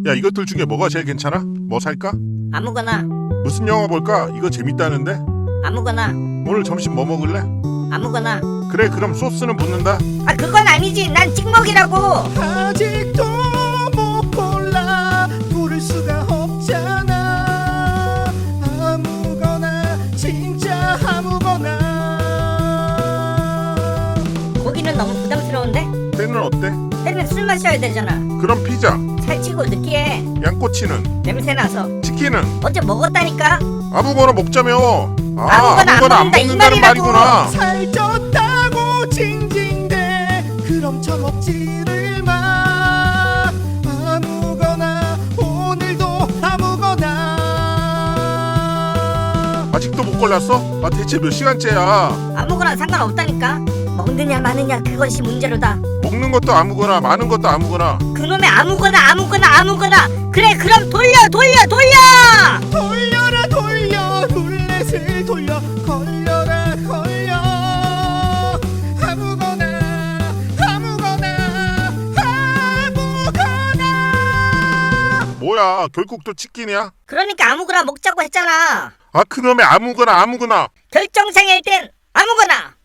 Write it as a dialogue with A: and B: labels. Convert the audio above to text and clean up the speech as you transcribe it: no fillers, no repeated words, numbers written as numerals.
A: 야, 이것들 중에 뭐가 제일 괜찮아? 뭐 살까?
B: 아무거나.
A: 무슨 영화 볼까? 이거 재밌다는데?
B: 아무거나.
A: 오늘 점심 뭐 먹을래?
B: 아무거나.
A: 그래, 그럼 소스는 붓는다.
B: 아, 그건 아니지. 난 찍먹이라고.
C: 아직도 못 골라 고를 수가 없잖아. 아무거나 진짜 아무거나.
B: 고기는 너무 부담스러운데?
A: 때는 어때?
B: 때문에 술 마셔야 되잖아.
A: 그럼 피자.
B: 살찌고 느끼해.
A: 양꼬치는?
B: 냄새나서.
A: 치킨은?
B: 어제 먹었다니까.
A: 아무거나 먹자며.
B: 아무거나 안
A: 아무거나 안
B: 먹는다, 이
A: 먹는다는
B: 말이라고.
A: 말이구나.
C: 살쪘다고 징징대. 그럼 처먹지를 마. 아무거나 오늘도 아무거나.
A: 아직도 못 골랐어? 아, 대체 몇 시간째야?
B: 아무거나 상관없다니까. 먹느냐 마느냐 그것이 문제로다.
A: 먹는 것도 아무거나, 마는 것도 아무거나.
B: 그놈의 아무거나. 그래, 그럼 돌려.
C: 돌려라 돌려 룰렛을 돌려. 걸려라 걸려. 아무거나
A: 뭐야, 결국 또 치킨이야?
B: 그러니까 아무거나 먹자고 했잖아.
A: 아, 그놈의 아무거나.
B: 결정장애일 땐 아무거나.